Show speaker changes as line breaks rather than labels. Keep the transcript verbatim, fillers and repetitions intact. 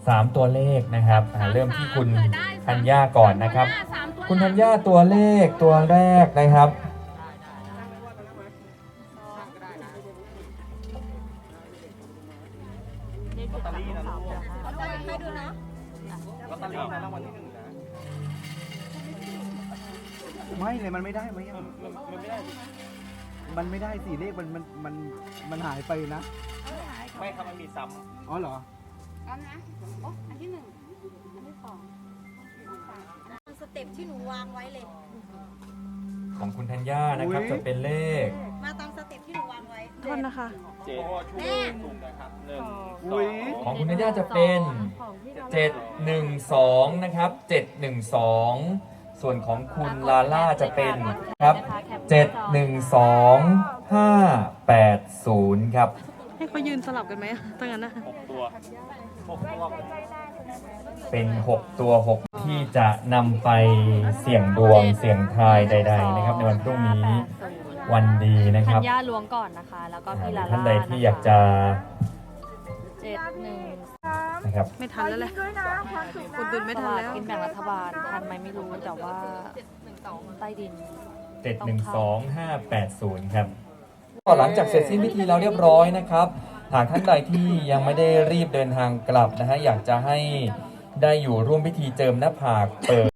สามตัวเลขนะครับเริ่มที่คุณธัญญาก่อนนะครับคุณธัญญาตัวเลขตัวแรกนะครับ
ลอตเตอรี่นะลูกลอตเตอรี่ให้ดูนะลอตเตอรี่นะรางวัลที่หนึ่งนะไม่เลยมันไม่ได้ไหมมันไม่ได้มันไม่ได้สิเลขมันมันมันมันหายไปนะไม่ครับมันมีซ้ำอ๋อเหรออันนะโอ้อันที่หนึ่งอันที่สองสเต็ปที่หนูวางไว้เลย
ของคุณธัญญานะครับจะเป็นเลข
มาตามสเต็ปที่หนูวางไว้
โทษนะคะ
เจ็ดแม่
ของคุณธัญญาจะเป็นเจ็ดหนึ่งสองนะครับเจ็ดหนึ่งสองส่วนของคุณลาล่าจะเป็นครับเจ็ดหนึ่งสองห้าแปดศูนย์ครับ
ให้เขายืนสลับกันไหมตั้งนั้นนะ
หกตัวหกตัว
เป็นหกตัวหกที่จะนำไปเสี่ยงดวงเสี่ยงทายใดๆนะครับในวันพรุ่งนี้วันดีนะครับ
ธัญญาล้วงก่อนนะคะแล้วก็พี่ลาล่า
ท่านใดที่อยากจะ
เจ็ดหนึ่ง
นะครับ
ไม่ทันแล้วแหละกดดุลไม่ทันแล้วกินแบ่งรัฐบาลทันไหมไม่รู้แต่ว่าใต้ดิน
เจ็ดหนึ่งสองห้าแปดศูนย์ครับก็หลังจากเสร็จสิ้นพิธีแล้วเรียบร้อยนะครับหากท่านใดที่ยังไม่ได้รีบเดินทางกลับนะฮะอยากจะให้ได้อยู่ร่วมพิธีเจิมหน้าผากเปิด